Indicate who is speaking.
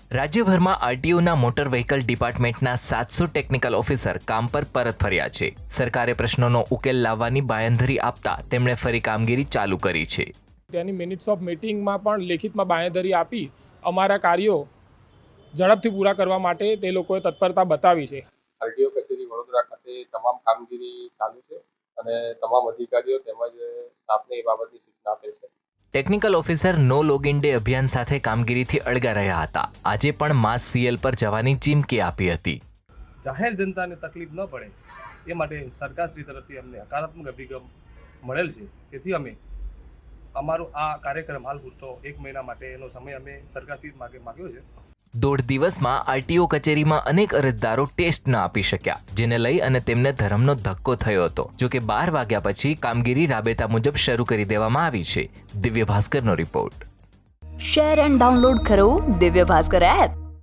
Speaker 1: રાજ્યભરમાં આરટીઓના motor vehicle ડિપાર્ટમેન્ટના 700 ટેકનિકલ ઓફિસર કામ પર પરત ફર્યા છે. સરકારે પ્રશ્નોનો ઉકેલ લાવવાની બાંયધરી આપતા તેમણે ફરી કામગીરી ચાલુ કરી છે.
Speaker 2: તેની મિનિટ્સ ઓફ મીટિંગમાં પણ લેખિતમાં બાંયધરી આપી અમારા કાર્યો ઝડપથી પૂરા કરવા માટે તે લોકોએ તત્પરતા બતાવી છે.
Speaker 3: આરટીઓ કચેરી વડોદરા ખાતે તમામ કામગીરી ચાલુ છે અને તમામ અધિકારીઓ તેમજ સ્ટાફને એ બાબતની સૂચના આપેલ છે.
Speaker 1: ટેકનિકલ ઓફિસર નો લોગિન ડે અભિયાન સાથે કામગીરીથી અળગા રહ્યા હતા. આજે પણ માસ સીએલ પર જવાની ચીમકી આપી હતી.
Speaker 4: જાહેર જનતાને તકલીફ ન પડે એ માટે સરકારશ્રી તરફથી અમને હકારાત્મક અભિગમ મળેલ છે. તેથી અમે અમારો આ કાર્યક્રમ હાલ પૂરતો 1 મહિના માટેનો સમય અમે સરકારશ્રી માગ્યો છે.
Speaker 1: 1.5 દિવસમાં આરટીઓ કચેરીમાં અનેક અરજદારો ટેસ્ટ ન આપી શક્યા, જેને લઈ અને તેમને ધરમનો ધક્કો થયો હતો. જોકે 12 વાગ્યા પછી કામગીરી રાબેતા મુજબ શરૂ કરી દેવામાં આવી છે. દિવ્ય ભાસ્કરનો રિપોર્ટ.
Speaker 5: શેર એન્ડ ડાઉનલોડ કરો દિવ્ય ભાસ્કર એપ.